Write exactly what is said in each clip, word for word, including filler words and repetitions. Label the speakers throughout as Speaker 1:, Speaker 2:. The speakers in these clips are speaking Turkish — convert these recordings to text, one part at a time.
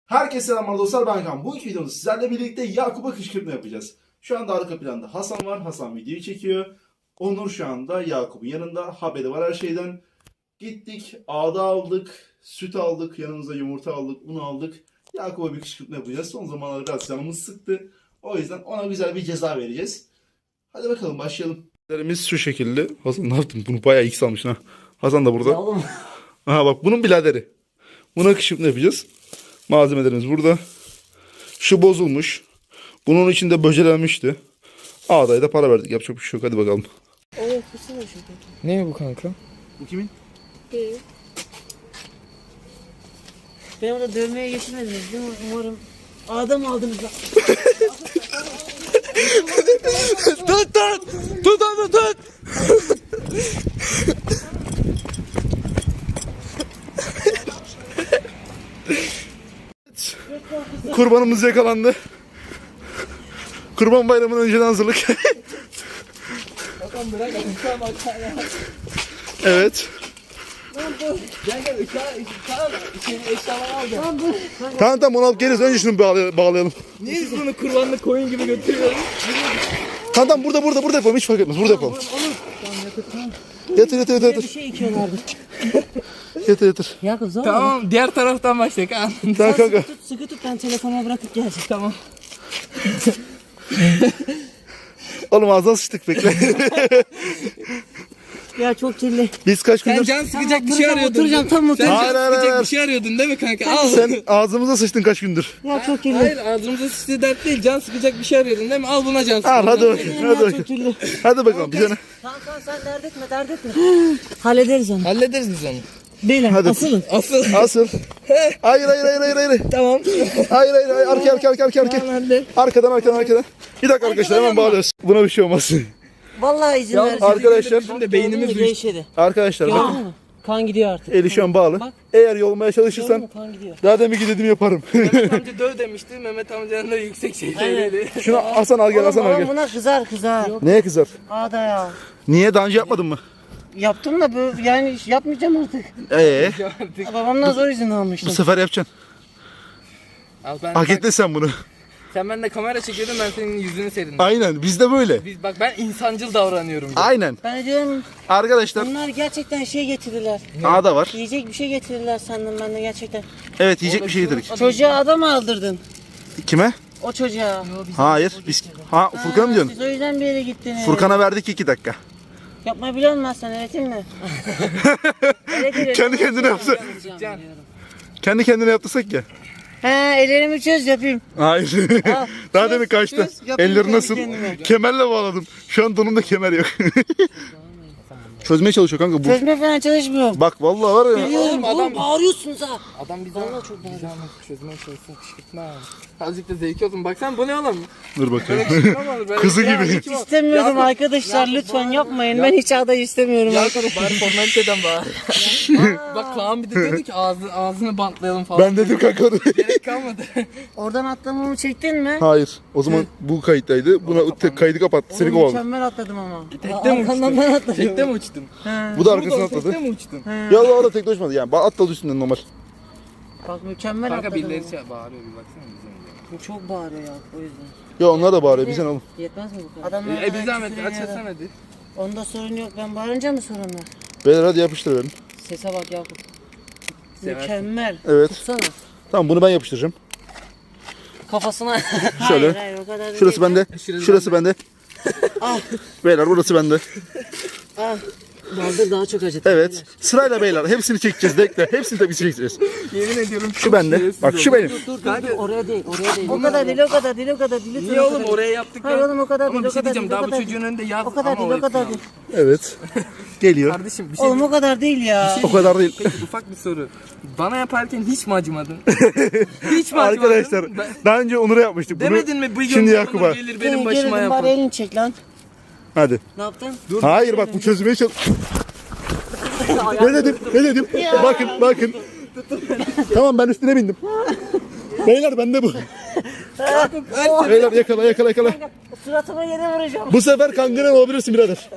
Speaker 1: Herkese selamlar dostlar, ben Kaan. Bu iki videomda sizlerle birlikte Yakup'a kışkırtma yapacağız. Şu anda arka planda Hasan var. Hasan videoyu çekiyor. Onur şu anda Yakup'un yanında. Haberi var her şeyden. Gittik, ağda aldık, süt aldık, yanımıza yumurta aldık, un aldık. Yakup'a bir kışkırtma yapacağız. Son zamanlarda biraz canımız sıktı. O yüzden ona güzel bir ceza vereceğiz. Hadi bakalım başlayalım. Biz şu şekilde. Hasan ne yaptın? Bunu bayağı ilk salmışsın ha. Hasan da burada. Aha bak, bunun biraderi. Buna kışkırtma yapacağız. Malzemelerimiz burada. Şu bozulmuş. Bunun içinde böcelenmişti. Ağdaya da para verdik. Yapacak bir şey yok. Hadi bakalım.
Speaker 2: Evet, bu ne şu?
Speaker 3: Ne bu kanka?
Speaker 1: Bu kimin?
Speaker 2: Değil. Ben orada dövmeye geçirmediniz değil mi? Umarım adam aldınız lan.
Speaker 3: Tut tut! Tut onu tut!
Speaker 1: Kurbanımız yakalandı. Kurban bayramının önceden hazırlık.
Speaker 3: Bakalım bırak uçağı bak ya.
Speaker 1: Evet.
Speaker 3: Gel gel uçağı uçağı içeri eşyaları al gel.
Speaker 1: Tamam tamam, onu alıp geliriz. Önce şunu bağlay- bağlayalım.
Speaker 3: Niye biz bunu kurbanlık koyun gibi götürüyoruz?
Speaker 1: Tamam tamam, burada burada burada yapalım. Hiç fark etmez. Burada yapalım. Yatır yatır yatır
Speaker 2: Bir
Speaker 1: yatır.
Speaker 2: şey içiyorlardı.
Speaker 1: Yatır yatır.
Speaker 2: Yakup zor mu?
Speaker 3: Tamam diğer taraftan başlayalım. Kaan.
Speaker 1: Tamam kanka.
Speaker 2: Tut, sıkı tut, ben telefona bırakıp geleceğim.
Speaker 3: Tamam.
Speaker 1: Oğlum ağzına sıçtık, bekle.
Speaker 2: Ya çok kirli.
Speaker 1: Biz kaç
Speaker 3: Sen
Speaker 1: gündür...
Speaker 3: can sıkacak bir şey
Speaker 2: Oturacağım,
Speaker 3: arıyordun.
Speaker 2: oturacağım, tam
Speaker 3: Sen
Speaker 2: oturacağım.
Speaker 3: can
Speaker 1: Hayır, hayır,
Speaker 3: sıkacak
Speaker 1: hayır.
Speaker 3: bir şey arıyordun değil mi kanka? Al.
Speaker 1: Sen ağzımıza sıçtın kaç gündür.
Speaker 2: Ya çok kirli.
Speaker 3: Hayır ağzımıza sıçtığı dert değil. Can sıkacak bir şey arıyordun değil mi? Al buna can sık.
Speaker 1: Al hadi bakayım.
Speaker 2: Ya
Speaker 1: Hadi
Speaker 2: çok
Speaker 1: bakayım.
Speaker 2: kirli.
Speaker 1: Hadi bakalım. Bir tane.
Speaker 2: Tamam tamam, sen dert etme, dert etme. Hallederiz onu.
Speaker 3: Hallederiz biz onu.
Speaker 2: Beyler
Speaker 1: Hadi.
Speaker 2: asılın.
Speaker 3: Asıl.
Speaker 1: Asıl. Hayır hayır hayır hayır hayır.
Speaker 3: Tamam.
Speaker 1: Hayır hayır hayır. Arkaya arkaya arkaya arkaya.
Speaker 3: Tamam hadi.
Speaker 1: Arkadan arkadan arkadan. Bir dakika arkadaşlar, hemen bağlıyoruz. Buna bir şey olmaz.
Speaker 2: Vallahi izin
Speaker 3: Ya
Speaker 2: vereceğim.
Speaker 1: arkadaşlar-
Speaker 3: Bizim de beynimiz
Speaker 2: Gördün mü?
Speaker 3: uyuştu.
Speaker 2: Gevşedi.
Speaker 1: Arkadaşlar
Speaker 2: Gördün
Speaker 1: bakın.
Speaker 2: mü? Kan gidiyor artık.
Speaker 1: Eli şu an bağlı.
Speaker 2: Bak.
Speaker 1: Eğer yolmaya
Speaker 2: Gördün
Speaker 1: çalışırsan
Speaker 2: mü? Kan gidiyor.
Speaker 1: daha demin ki dediğimi yaparım.
Speaker 3: Mehmet amca döv demişti. Mehmet amcanın da yüksek şeyleri.
Speaker 1: Şunu Hasan al gel, Hasan al
Speaker 2: Oğlum
Speaker 1: gel.
Speaker 2: buna kızar kızar.
Speaker 1: Neye kızar?
Speaker 2: Ağda ya.
Speaker 1: Niye, daha önce yapmadın mı?
Speaker 2: Yaptım da bu, yani yapmayacağım artık.
Speaker 1: Ee,
Speaker 2: Babamdan zor izin
Speaker 1: bu
Speaker 2: almıştım.
Speaker 1: sefer yapacaksın.
Speaker 3: Al ben
Speaker 1: Hak
Speaker 3: bak,
Speaker 1: ettin sen bunu.
Speaker 3: sen bende kamera çekiyordun, ben senin yüzünü serindim.
Speaker 1: Aynen, biz de böyle.
Speaker 3: Biz bak ben insancıl davranıyorum.
Speaker 1: Aynen.
Speaker 2: Ben de diyorum
Speaker 1: Arkadaşlar
Speaker 2: bunlar gerçekten şey getirirler.
Speaker 1: ağda var.
Speaker 2: Yiyecek bir şey getirirler sandım ben de gerçekten.
Speaker 1: Evet, yiyecek bir şey yedirdik.
Speaker 2: Çocuğa adam aldırdın.
Speaker 1: Kime?
Speaker 2: O çocuğa.
Speaker 1: Hayır. Biz ha Furkan'a mı diyorsun?
Speaker 2: Siz o yüzden bir yere gittiniz.
Speaker 1: Furkan'a verdik iki dakika.
Speaker 2: Yapmayı biliyor musun sen, öğreteyim mi? Öğretirim.
Speaker 1: Kendi kendine yapsa.
Speaker 2: Yapacağım biliyorum.
Speaker 1: Kendi kendine yaptırsak ya.
Speaker 2: He, ellerimi çöz yapayım.
Speaker 1: Hayır.
Speaker 2: Al.
Speaker 1: Daha
Speaker 2: Çöz,
Speaker 1: demin kaçtı.
Speaker 2: çöz, yapayım
Speaker 1: Elleri
Speaker 2: kendi
Speaker 1: nasıl?
Speaker 2: kendime.
Speaker 1: Kemerle bağladım. Şu an donumda kemer yok. Çözmeye çalışıyor kanka bu.
Speaker 2: Çözme falan çalışmıyorum.
Speaker 1: Bak vallahi var ya.
Speaker 2: Biliyorum
Speaker 3: adam-
Speaker 2: oğlum, bağırıyorsunuz ha.
Speaker 3: Adam bize
Speaker 2: Vallahi çok
Speaker 3: bize ama çözmeye çalışsın, kışkırtma. Azıcık da zevki olsun. Baksana bu ne oğlum?
Speaker 1: Dur bakayım.
Speaker 3: Kışkırtma mı olur? Böyle
Speaker 1: Kızı
Speaker 3: ya,
Speaker 1: gibi.
Speaker 3: hiç mi-
Speaker 2: İstemiyorum
Speaker 3: Ya-
Speaker 2: arkadaşlar,
Speaker 3: Ya-
Speaker 2: lütfen yapmayın. Ben hiç ağda istemiyorum
Speaker 3: Ya
Speaker 2: arkadaşlar.
Speaker 3: bari formaliteden bağır. Bak Kaan bir de diyordu ki ağzı, ağzını bantlayalım falan.
Speaker 1: Ben dedim kanka onu.
Speaker 3: Gerek kalmadı.
Speaker 2: Oradan atlamamı çektin mi?
Speaker 1: Hayır. O zaman bu kayıttaydı. Buna tek kaydı kapattı. Seni
Speaker 2: Oğlum
Speaker 1: kovaladı.
Speaker 2: mükemmel atladım ama.
Speaker 3: Tekte mi
Speaker 2: Arkandan ben
Speaker 3: uçtun?
Speaker 2: atladım.
Speaker 3: Tekte mi uçtun?
Speaker 2: He.
Speaker 1: Bu da arkasına
Speaker 3: Buradan
Speaker 1: atladı.
Speaker 3: Tekte mi uçtun?
Speaker 1: Ya da orada tek uçmadı yani. Atladı üstünden normal.
Speaker 2: Bak mükemmel
Speaker 3: Kanka
Speaker 2: atladım.
Speaker 3: birileri
Speaker 2: ama.
Speaker 3: şey bağırıyor bir baksana bize.
Speaker 2: Bu çok bağırıyor ya, o yüzden.
Speaker 1: Ya onlar da bağırıyor. Bizden oğlum.
Speaker 2: Yetmez mi bu kadar? Adamlar
Speaker 3: E bir zahmet açılsana hadi.
Speaker 2: Onda sorun yok, ben bağırınca mı sorun var?
Speaker 1: Beyler hadi yapıştır verin.
Speaker 2: Sese bak Yakup.
Speaker 3: Seversin.
Speaker 2: Mükemmel.
Speaker 1: Evet.
Speaker 2: Tutsana.
Speaker 1: Tamam, bunu ben yapıştıracağım.
Speaker 2: Kafasına.
Speaker 1: Şöyle.
Speaker 2: Hayır hayır, o kadar da
Speaker 1: Şurası
Speaker 2: değil
Speaker 1: bende.
Speaker 3: Şurası
Speaker 1: Şurası bende.
Speaker 2: Al.
Speaker 1: Beyler burası bende.
Speaker 2: ya. Al. Baldır daha çok acıtır.
Speaker 1: Evet. Sırayla beyler. Hepsini çekeceğiz. Bekle. Hepsini tabii çekeceğiz.
Speaker 3: Yemin ediyorum
Speaker 1: Şu bende. Bak şu benim.
Speaker 2: Dur dur dur, oraya değil, oraya değil. O kadar değil, o kadar değil, o kadar değil. Lütfen
Speaker 3: Niye
Speaker 2: o
Speaker 3: oğlum
Speaker 2: kadar değil.
Speaker 3: oraya yaptık
Speaker 2: Hayır
Speaker 3: ya.
Speaker 2: oğlum, o kadar
Speaker 3: Ama
Speaker 2: değil,
Speaker 3: bir
Speaker 2: o
Speaker 3: şey
Speaker 2: kadar
Speaker 3: diyeceğim
Speaker 2: değil, o
Speaker 3: daha bu
Speaker 2: kadar
Speaker 3: çocuğun
Speaker 2: değil.
Speaker 3: önünde yaz
Speaker 2: O kadar
Speaker 3: ama
Speaker 2: değil, o kadar
Speaker 3: hepsini
Speaker 2: değil.
Speaker 1: Evet. Geliyor.
Speaker 3: Kardeşim bir şey
Speaker 2: Oğlum o kadar değil ya.
Speaker 1: O kadar değil.
Speaker 3: Peki ufak bir soru. Bana yaparken hiç mi acımadın? hiç mi acımadın?
Speaker 1: Arkadaşlar
Speaker 3: Ben-
Speaker 1: daha önce Onur'a yapmıştık bunu.
Speaker 3: Demedin mi bu
Speaker 1: Şimdi
Speaker 3: gün
Speaker 1: Yakup'a.
Speaker 3: Onur gelir benim başıma
Speaker 2: Gelin bari
Speaker 3: yapar.
Speaker 2: elini çek lan.
Speaker 1: Hadi.
Speaker 2: Ne yaptın?
Speaker 1: Hayır bak, bu çözmeye çalış. ne dedim? Ne dedim? Bakın bakın. Tamam, ben üstüne bindim. Beyler bende bu. Beyler yakala yakala yakala.
Speaker 2: Suratıma yere vuracağım.
Speaker 1: Bu sefer kangren olabilirsin birader.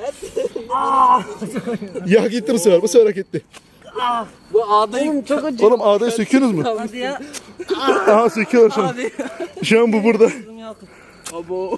Speaker 1: Ya gitti bu sefer. Bu sefer hak etti.
Speaker 3: Bu ağdayı
Speaker 2: Oğlum çok acı.
Speaker 1: Oğlum ağdayı söküyorsunuz mu?
Speaker 2: Hadi ya.
Speaker 1: Aha söküyor şu an.
Speaker 2: Abi.
Speaker 1: Şu an bu burada.
Speaker 3: Abo.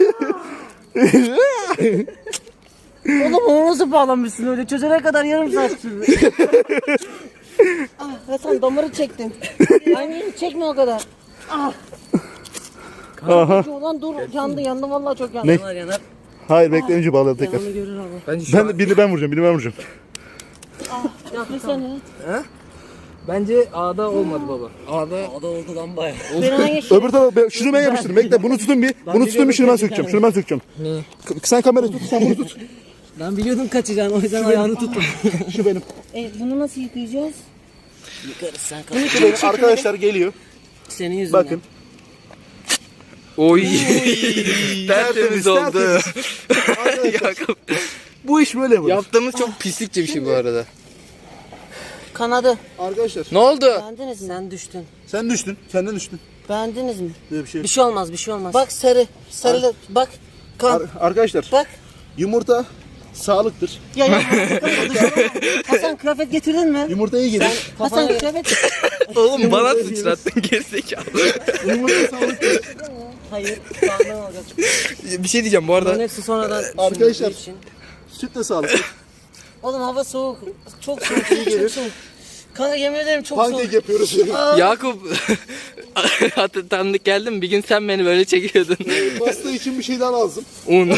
Speaker 2: Oğlum onu nasıl bağlamışsın öyle? Çözene kadar yarım saat sürdü. Ah Hasan damarı çektim. Aynen çekme o kadar. Ah.
Speaker 1: Aha.
Speaker 2: Ulan dur yandı yandı vallahi çok yandı.
Speaker 1: Ne?
Speaker 2: Yanar yanar.
Speaker 1: Hayır bekle önce bağlayalım tekrar.
Speaker 2: Yanını görür abi.
Speaker 3: Bence şu
Speaker 1: Ben
Speaker 3: an,
Speaker 1: de birini ben vuracağım, birini ben vuracağım.
Speaker 2: Yapmışsana.
Speaker 3: bence A'da olmadı baba. A'da
Speaker 2: O da oldu lan bayağı. Ben hangi şey?
Speaker 1: Öbür tarafa ben- şunu ben yapıştırdım. Bekle bunu tutun bir. Bunu tutun bir şunu ben sökeceğim. Şunu ben sökeceğim.
Speaker 3: ne?
Speaker 1: K- Sen kamerayı tut, sen bunu tut.
Speaker 2: Ben biliyordum kaçacağını o yüzden ayağını tuttum.
Speaker 1: Şu benim.
Speaker 2: E bunu nasıl yıkayacağız? Yıkarız sen
Speaker 1: Şu benim. Arkadaşlar geliyor.
Speaker 2: Senin yüzünden.
Speaker 1: Bakın.
Speaker 3: Oy.
Speaker 1: Tertemiz,
Speaker 3: Tertemiz oldu.
Speaker 1: Arkadaşlar
Speaker 3: Yakup.
Speaker 1: bu iş böyle yapılır.
Speaker 3: Yaptığımız çok pislikçe bir şey bu arada.
Speaker 2: Kanadı.
Speaker 1: Arkadaşlar
Speaker 3: Ne oldu?
Speaker 2: Beğendiniz mi? Sen düştün.
Speaker 1: sen düştün. Senden düştün.
Speaker 2: Beğendiniz mi?
Speaker 1: Böyle bir şey.
Speaker 2: Bir şey olmaz bir şey olmaz. Bak sarı. Sarı. Bak. Kan.
Speaker 1: Ar- arkadaşlar
Speaker 2: Bak.
Speaker 1: yumurta sağlıktır.
Speaker 2: Ya ya. Hasan kıyafet getirdin mi?
Speaker 1: Yumurta iyi gelir.
Speaker 2: Hasan kıyafet.
Speaker 3: Oğlum bana sıçrattın gerizekalı.
Speaker 1: Yumurta sağlıktır.
Speaker 2: Hayır. Sağdan alacağız.
Speaker 3: Bir şey diyeceğim bu
Speaker 2: Bunların
Speaker 3: arada.
Speaker 2: hepsi sonradan.
Speaker 1: Arkadaşlar.
Speaker 2: düşündüğü için.
Speaker 1: Süt de sağlıklı.
Speaker 2: Oğlum hava soğuk. Çok soğuk. Çok
Speaker 1: gelir.
Speaker 2: soğuk. Kanka yemin ederim çok
Speaker 1: Pankek
Speaker 2: soğuk.
Speaker 1: yapıyoruz.
Speaker 3: Yakup hatır tanıdık geldim. Bir gün sen beni böyle çekiyordun.
Speaker 1: Pasta için bir şey daha lazım.
Speaker 3: Un.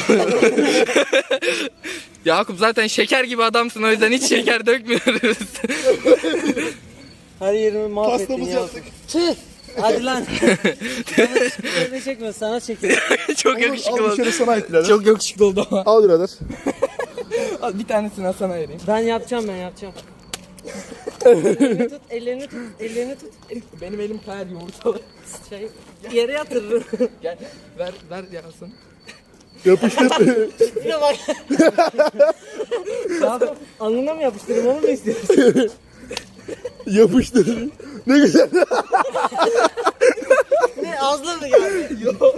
Speaker 3: Yakup zaten şeker gibi adamsın o yüzden hiç şeker dökmüyoruz.
Speaker 2: Her yerimi mahvettin
Speaker 1: Pastamızı
Speaker 2: ya.
Speaker 1: yaptık.
Speaker 2: Tüh. Hadi lan. Bana çekmiyor sana çekiyor.
Speaker 3: Çok
Speaker 1: Al
Speaker 3: yakışıklı
Speaker 1: bir
Speaker 3: oldu.
Speaker 1: şöyle sana ait birader.
Speaker 3: Çok yakışıklı oldu ama.
Speaker 1: Al birader.
Speaker 3: Al bir tanesini Hasan'a vereyim.
Speaker 2: Ben yapacağım ben yapacağım. ellerini tut, ellerini tut, ellerini tut.
Speaker 3: Benim elim kayar yumurtalı.
Speaker 2: Şey, yere yatırırım.
Speaker 3: Gel ver ver Hasan.
Speaker 1: Yapıştır.
Speaker 2: Bir de bak. Alnına mı yapıştırayım onu mu istiyorsun?
Speaker 1: Yapıştır. Ne güzel.
Speaker 2: Ne ağzına mı geldi?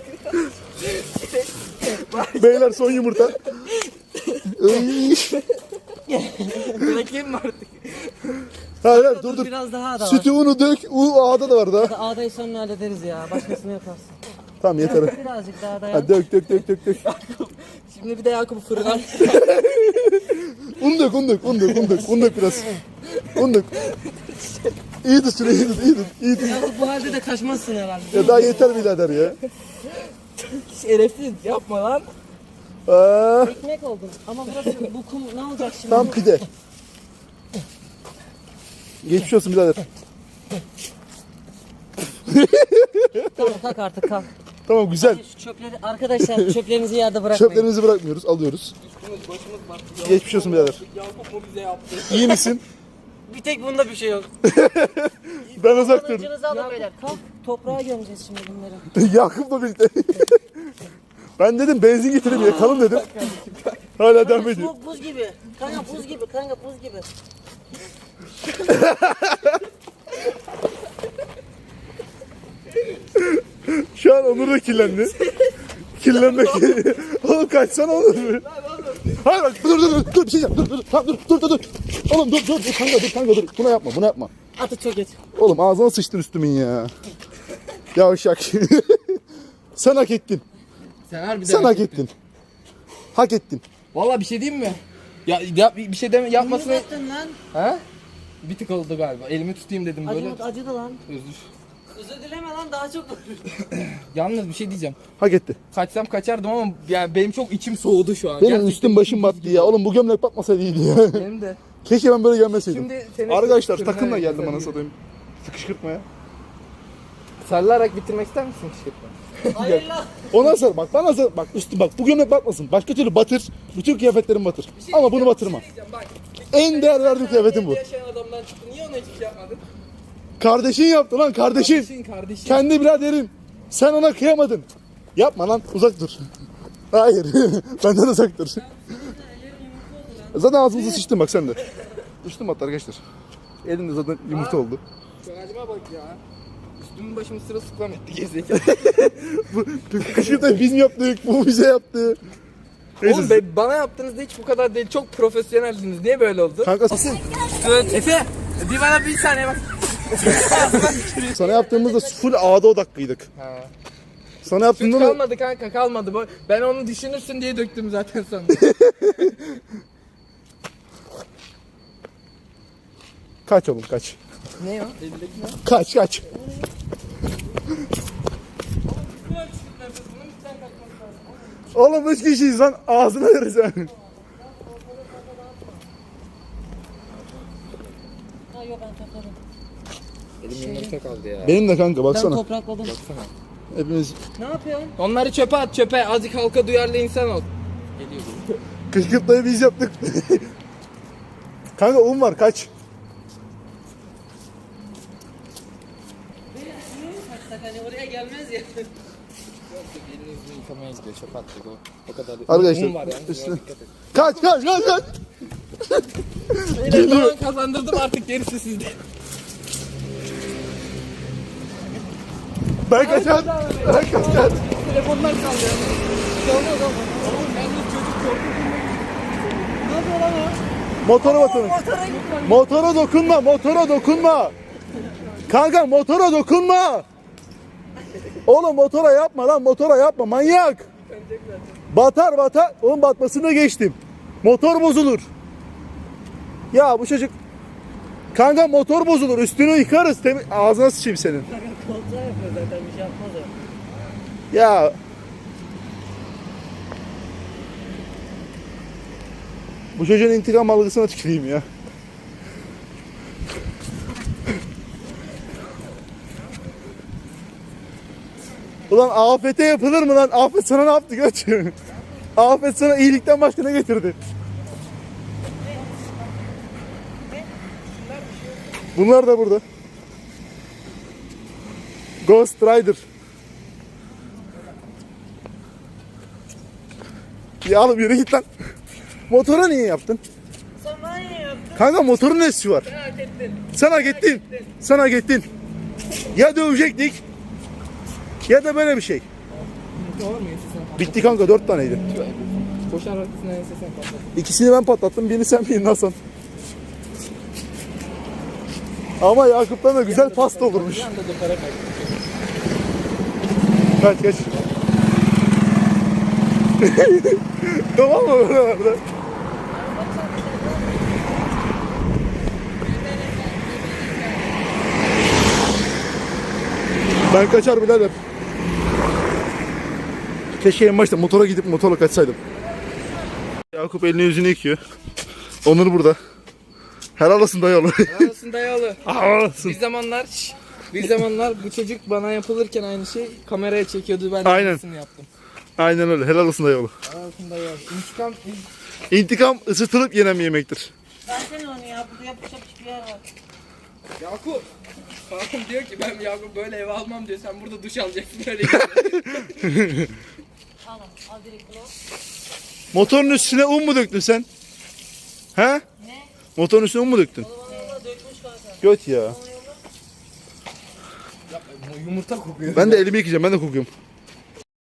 Speaker 1: Beyler son yumurta. Iy.
Speaker 3: Bırakayım mı artık?
Speaker 1: hayır hayır dur dur.
Speaker 2: Biraz daha da var.
Speaker 1: Sütü unu dök. U A'da da var daha.
Speaker 2: Ağdayı sonra hallederiz ya. Başkasını yaparsın.
Speaker 1: Tamam yeter.
Speaker 2: Birazcık daha dayan.
Speaker 1: Hadi dök dök dök dök dök.
Speaker 3: Şimdi bir de Yakup'u fırına.
Speaker 1: Un dök un dök un dök un dök. Un dök biraz. Un dök. İyi tut şurayı iyi tut iyi tut. İyi tut.
Speaker 2: Ya bu halde de kaçmazsın herhalde.
Speaker 1: Ya daha yeter birader ya.
Speaker 3: Şerefsiz yapma lan.
Speaker 1: Aa,
Speaker 2: Ekmek oldun. Ama burası bu kum ne olacak şimdi?
Speaker 1: tam pide. Geçmiş olsun birader.
Speaker 2: Tamam kalk artık kalk.
Speaker 1: Tamam güzel.
Speaker 2: Şu çöpleri arkadaşlar çöplerinizi yerde bırakmayın.
Speaker 1: Çöplerimizi bırakmıyoruz. Alıyoruz.
Speaker 3: Başımız battı.
Speaker 1: Geçmiş olsun birader.
Speaker 3: Yakup mu bize yaptı?
Speaker 1: İyi misin?
Speaker 2: Bir tek bunda bir şey yok.
Speaker 1: Ben uzak durdum.
Speaker 2: Kılıcınızı alın beyler. Kalk toprağa gömeceğiz şimdi bunları.
Speaker 1: Yakup'la birlikte. Ben dedim benzin getireyim yakalım dedim. Hala devam ediyor.
Speaker 2: Soğuk buz gibi. Kanka buz gibi. Kanka buz gibi.
Speaker 1: Şu an Onur da kirlendi. Kirlenmek. Oğlum kaçsana Onur. Hayır bak dur dur dur dur bir şey yap dur dur tamam, dur dur dur dur. Oğlum dur dur dur kanka dur kanka dur. Buna yapma buna yapma.
Speaker 2: Atı çok geç.
Speaker 1: Oğlum ağzına sıçtın üstümün ya. Yavşak. Sen hak ettin.
Speaker 3: Sen harbiden.
Speaker 1: Sen hak ettin. Hak ettin.
Speaker 3: Valla bir şey diyeyim mi? Ya, ya bir şey deme yapmasını.
Speaker 2: Yaptın lan.
Speaker 3: Ha? Bir tık oldu galiba. Elimi tutayım dedim böyle.
Speaker 2: Acıdı, acıdı lan.
Speaker 3: Özür.
Speaker 2: Özür dileme lan daha çok.
Speaker 3: Yalnız bir şey diyeceğim.
Speaker 1: Hak etti.
Speaker 3: Kaçsam kaçardım ama yani benim çok içim soğudu şu an.
Speaker 1: Benim
Speaker 3: Gerçekten
Speaker 1: üstüm başım battı ya. Oğlum bu gömlek batmasaydı iyiydi ya.
Speaker 3: Benim de.
Speaker 1: Keşke ben böyle gelmeseydim.
Speaker 3: Şimdi seni
Speaker 1: Arkadaşlar
Speaker 3: kırmaya
Speaker 1: takımla geldim
Speaker 3: güzel
Speaker 1: bana
Speaker 3: bir-
Speaker 1: satayım. Sıkışkırtmaya.
Speaker 3: Sarılarak bitirmek ister misin kışkırtma?
Speaker 2: Hayır lan.
Speaker 1: Ondan sonra bak bana sonra bak üstü bak bu gömlek batmasın. Başka türlü batır. Bütün kıyafetlerim batır. Ama bunu batırma.
Speaker 3: Bak.
Speaker 1: En değer verdiğim kıyafetim bu.
Speaker 3: Yaşayan adamdan çıktı. Niye ona hiçbir şey yapmadın?
Speaker 1: Kardeşin yaptı lan kardeşin.
Speaker 3: Kardeşin kardeşin.
Speaker 1: Kendi biraderin. Sen ona kıyamadın. Yapma lan uzak dur. Hayır. Benden uzak dur. Zaten ağzımıza sıçtın bak sen de. Sıçtım hatta arkadaşlar. Elimde zaten yumurta oldu.
Speaker 3: Şakacıma bak ya. Üstümün başımı sırılsıklam etti gerizekalı.
Speaker 1: Bu kışkırtmayı biz mi yaptık? Bu bize yaptı. Neyse.
Speaker 3: Oğlum be, bana yaptığınızda hiç bu kadar değil. Çok profesyoneldiniz. Niye böyle oldu?
Speaker 1: Kanka
Speaker 3: Efe, bir bana bir saniye bak.
Speaker 1: Sana yaptığımızda full A'da odaklıydık.
Speaker 3: Ha.
Speaker 1: Sana
Speaker 3: Süt
Speaker 1: yaptığımda da...
Speaker 3: kalmadı kanka kalmadı. Bu- Ben onu düşünürsün diye döktüm zaten sonra.
Speaker 1: Kaç oğlum kaç.
Speaker 3: Ne o? Elindeki ne?
Speaker 1: Kaç kaç. Oğlum üç kişiyiz lan ağzına veririz ha.
Speaker 2: Ha yok ben topladım.
Speaker 3: Elim yumurta kaldı ya.
Speaker 1: Benim de kanka
Speaker 2: Ben
Speaker 1: baksana.
Speaker 2: toprakladım.
Speaker 1: Hepimiz
Speaker 2: Ne yapıyorsun?
Speaker 3: Onları çöpe at çöpe. Azıcık halka duyarlı insan ol. Geliyor bu.
Speaker 1: kışkırtmayı biz yaptık. Kanka un var kaç.
Speaker 2: Hani oraya gelmez ya.
Speaker 3: Yok yok elini yüzünü yıkamaya gidiyor çöpe attık o. O kadar.
Speaker 1: Arkadaşlar,
Speaker 3: Un var yani.
Speaker 1: üstüne-
Speaker 3: Biraz dikkat et.
Speaker 1: Kaç kaç kaç kaç.
Speaker 3: Beyler, tamam kazandırdım artık gerisi sizde.
Speaker 1: Ben kaçar. Ben kaçar.
Speaker 3: Telefonlar sallıyor. Çalmaz ama. Oğlum yalnız çocuk korkuyor.
Speaker 2: Ne yapıyor lan o?
Speaker 1: Motora bakın. Motora dokunma, motora dokunma. Kanka motora dokunma. Oğlum motora yapma lan, motora yapma manyak. Batar batar. Oğlum batmasını geçtim. Motor bozulur. Ya bu çocuk kanka motor bozulur. Üstünü yıkarız. Temiz... Ağzına sıçayım senin.
Speaker 2: Kontrol yapıyor zaten bir şey yapmaz o.
Speaker 1: Ya bu çocuğun intikam algısına tüküreyim ya. Ulan afete yapılır mı lan? Afet sana ne yaptı göç? Afet sana iyilikten başka ne getirdi? Bunlar da burada. Ghost Rider. Ya oğlum yürü git lan. Motora niye yaptın?
Speaker 2: Sen bana niye yaptın?
Speaker 1: Kanka motorun nesi var?
Speaker 3: Sen hak ettin.
Speaker 1: Sen hak ettin. Sen hak ettin. Ya dövecektik ya da böyle bir şey.
Speaker 3: Yumurta var mı ensesen?
Speaker 1: Bitti kanka dört taneydi.
Speaker 3: Koşar arkasına ensesen patlat.
Speaker 1: İkisini ben patlattım. Birini sen birini Hasan. Ama Yakup'tan da güzel pasta olurmuş.
Speaker 3: Bir anda da para kaybettik.
Speaker 1: Kaç kaç. Tamam mı buralarda? Ben kaçar birader. Keşke en başta motora gidip motorla kaçsaydım. Yakup elini yüzünü yıkıyor. Onur burada. Helal olsun dayı oğlu.
Speaker 3: Arasında yolu.
Speaker 1: Helal olsun.
Speaker 3: Bir zamanlar şş, bir zamanlar bu çocuk bana yapılırken aynı şey kameraya çekiyordu, ben de
Speaker 1: Aynen.
Speaker 3: aynısını yaptım.
Speaker 1: Aynen öyle. Helal olsun dayı oğlu.
Speaker 3: Arasında yol. İntikam
Speaker 1: İntikam ısıtılıp yenen bir yemektir.
Speaker 2: Versene onu ya. Burada yapış yapış bir yer var.
Speaker 3: Yakup. Babam diyor ki ben Yakup böyle eve almam diyor. Sen burada duş alacaksın öyle.
Speaker 2: Al al direkt bunu.
Speaker 1: Motorun üstüne un mu döktün sen? He?
Speaker 2: Ne?
Speaker 1: Motorun üstüne un mu döktün?
Speaker 2: Valla dökmüş kanka.
Speaker 1: Göt ya.
Speaker 3: Yumurta kokuyor.
Speaker 1: Ben de elimi yıkayacağım. Ben de kokuyorum.